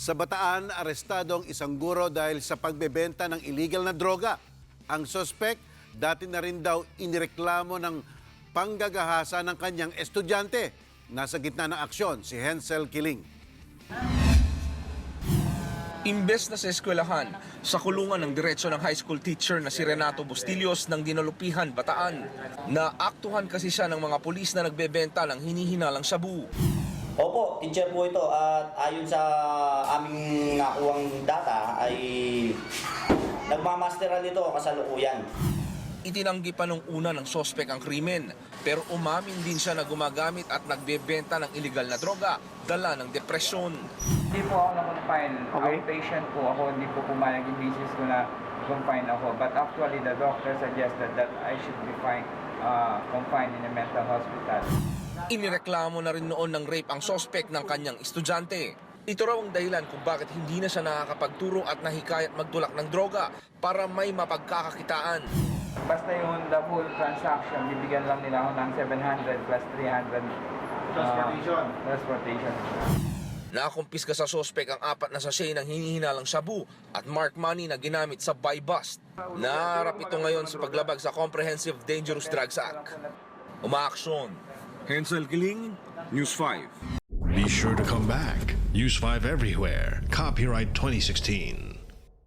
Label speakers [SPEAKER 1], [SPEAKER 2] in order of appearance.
[SPEAKER 1] Sa Bataan, arestado ang isang guro dahil sa pagbebenta ng illegal na droga. Ang sospek, dati na rin daw inireklamo ng panggagahasa ng kanyang estudyante. Nasa gitna ng aksyon, si Hensel Kiling.
[SPEAKER 2] Imbes na sa eskwelahan, sa kulungan ng diretsyo ng high school teacher na si Renato Bustillos ng Dinalupihan, Bataan. Naaktuhan kasi siya ng mga pulis na nagbebenta ng hinihinalang shabu.
[SPEAKER 3] Opo, teacher po ito at ayon sa aming nakuwang data ay nagmamasteral nito kasalukuyan.
[SPEAKER 2] Itinanggi pa nung una ng sospek ang krimen, pero umamin din siya na gumagamit at nagbebenta ng illegal na droga, dala ng depresyon.
[SPEAKER 4] Hindi po ako na-confine. Outpatient po ako, hindi po pumayag yung misis ko na confine ako. But actually, the doctor suggested that I should be confined in a mental hospital.
[SPEAKER 2] Inireklamo na rin noon ng rape ang sospek ng kanyang estudyante. Ito raw ang dahilan kung bakit hindi na siya nakakapagturo at nahikayat magtulak ng droga para may mapagkakakitaan.
[SPEAKER 4] Basta yung the whole transaction, bibigyan lang nila ako ng 700 plus 300 transportation.
[SPEAKER 2] Nakumpiska sa sospek ang 4 na sachet ng hinihinalang shabu at marked money na ginamit sa buy bust. Naharap ito ngayon sa paglabag sa Comprehensive Dangerous Drugs Act. Umaaksyon. Hensel Kiling, News 5.
[SPEAKER 5] Be sure to come back. Use 5 everywhere. Copyright 2016.